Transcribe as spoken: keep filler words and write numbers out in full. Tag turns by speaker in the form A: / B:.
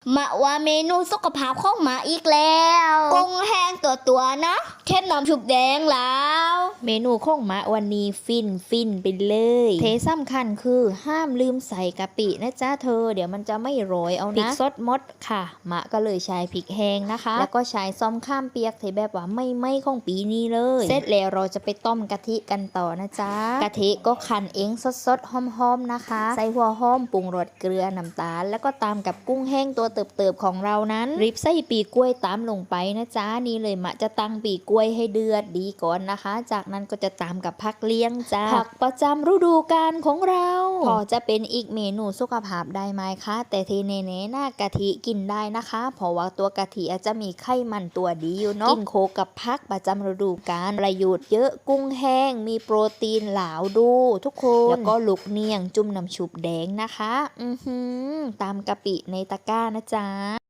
A: มาว่าเมนูสุขภาพของหมาอีกแล้วกุ้งแห้งตัวตัวๆนะเค็มน้ำชุบแดงแล้วเมนูของหมาวันนี้ฟินฟินไปเลยเทสำคัญคือห้ามลืมใส่กะปินะจ๊ะเธอเดี๋ยวมันจะไม่โรยเอานะพริกสดมดค่ะหมาก็เลยใช้พริกแห้งนะคะแล้วก็ใช้ซ้อมข้ามเปียกเทแบบว่าไม่ไม่ของปีนี้เลยเสร็จแล้วเราจะไปต้มกะทิกันต่อนะจ๊ะกะทิก็คั้นเองสดๆหอมๆนะคะใส่หัวหอมปรุงรสเกลือน้ำตาลแล้วก็ตามกับกุ้งแห้งตัวเติบๆของเรานั้นริบใส่ปีกล้วยตามลงไปนะจ๊ะนี่เลยมะจะตั้งปีกล้วยให้เดือดดีก่อนนะคะจากนั้นก็จะตามกับผักเลี้ยงจ้าผักประจำฤดูกาลของเราพอจะเป็นอีกเมนูสุขภาพได้ไหมคะแต่ทีเนๆหน้ากะทิกินได้นะคะเพราะว่าตัวกะทิอาจจะมีไขมันตัวดีอยู่เนาะกินโคกับผักประจำฤดูกาลประโยชน์เยอะกุ้งแห้งมีโปรตีนหลาวดูทุกคนแล้วก็ลูกเนียงจุ่มน้ำชุบแดงนะคะอือหือตามกะปิในตะกร้านะจ๊ะ